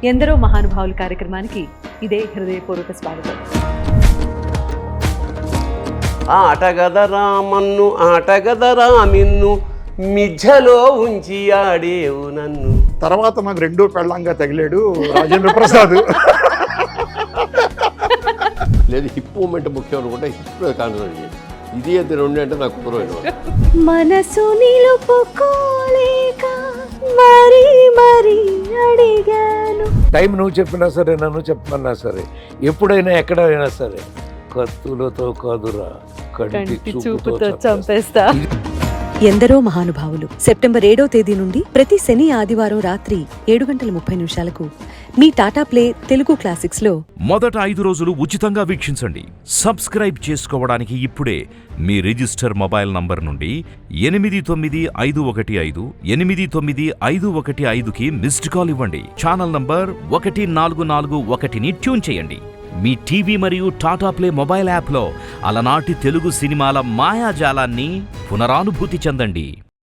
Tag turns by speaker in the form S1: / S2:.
S1: ఎందరో మహానుభావుల కార్యక్రమానికి ఇదే హృదయపూర్వక స్వాగతం.
S2: ఆటగదరా మన్ను ఆటగదరా మిన్ను మిజ్జలో ఉంచి ఆడేవు నన్ను.
S3: తర్వాత నాకు రెండో పెళ్ళంగా తగిలాడు రాజేంద్ర ప్రసాద్.
S4: లేదు హిప్ మూమెంట్ ముఖ్యం అనుకుంటే హిప్ కాన్సన్ట్రేట్ చేయండి. ఇది అయితే రెండు అంటే నాకు కుదరదు.
S1: మనసు నిలుపుకోలేక మరీ మరీ అడిగాను.
S5: టైం నువ్వు చెప్పినా సరే, నన్ను చెప్పమన్నా సరే, ఎప్పుడైనా ఎక్కడైనా సరే, కత్తులతో కాదురా కంటి చూపుతో
S1: చంపేస్తా.
S6: ఎందరో మహానుభావులు సెప్టెంబర్ 7వ తేదీ నుండి ప్రతి శని ఆదివారం రాత్రి 7:30 మీ టాటా ప్లే తెలుగు క్లాసిక్స్ లో
S7: మొదట 5 రోజులు ఉచితంగా వీక్షించండి. సబ్స్క్రైబ్ చేసుకోవడానికి ఇప్పుడే మీ రిజిస్టర్ మొబైల్ నంబర్ నుండి 8951589515కి మిస్డ్ కాల్ ఇవ్వండి. ఛానల్ నంబర్ 1441ని ట్యూన్ చేయండి. మీ టీవీ మరియు టాటా ప్లే మొబైల్ యాప్లో అలనాటి తెలుగు సినిమాల మాయాజాలాన్ని పునరానుభూతి చెందండి.